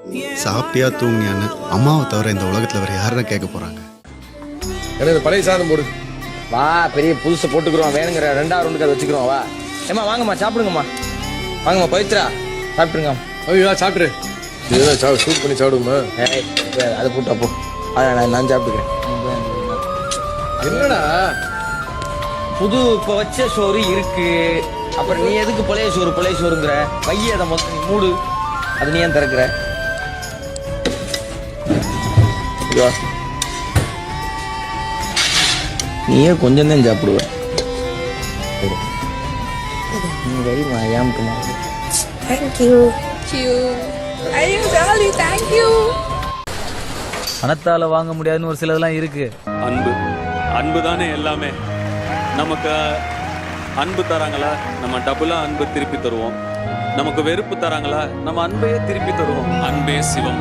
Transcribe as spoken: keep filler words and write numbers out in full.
சாப்பிட்டியா தூங்கியான்னு அம்மாவை தவிர இந்த உலகத்தில் வேறு யாரும் கேட்க போகிறாங்க. எனக்கு பழைய சாதம் போடு. வா பெரிய புதுசை போட்டுக்கிறோம், வேணுங்கிற ரெண்டாவது ரெண்டுக்கு அதை வச்சுக்கிறோம். வா ஏம்மா வாங்கம்மா சாப்பிடுங்கம்மா, வாங்கம்மா பவித்ரா சாப்பிட்டுருங்க. ஐயா சாப்பிட்ரு, இதுதான் சா சூட் பண்ணி சாப்பிடுமா? ஏய் அதை போட்டு அப்போ அதை நான் நான் சாப்பிட்டுக்கிறேன். என்னடா புது இப்போ வச்ச சோறு இருக்கு, அப்புறம் நீ எதுக்கு பழைய சோறு பழைய சோறுங்கிற? வைய அதை மொத்தம் நீ மூடு, அது நீ ஏன் திறக்கிற? ஐயோ நீயே கொஞ்சம் தான் சாப்பிடுவ. நீ வெரிமா ஏம்ட்டுமா? Thank you. Thank you. ஐயோ ஜாலி, thank you. பணத்தால வாங்க முடியாதுன்னு ஒரு சிலதெல்லாம் இருக்கு. அன்பு அன்பு தானே எல்லாமே. நமக்கு அன்பு தராங்களா, நம்ம டபுளா அன்பு திருப்பி தருவோம். நமக்கு வெறுப்பு தராங்களா, நம்ம அன்பையே திருப்பி தருவோம். அன்பே சிவம்.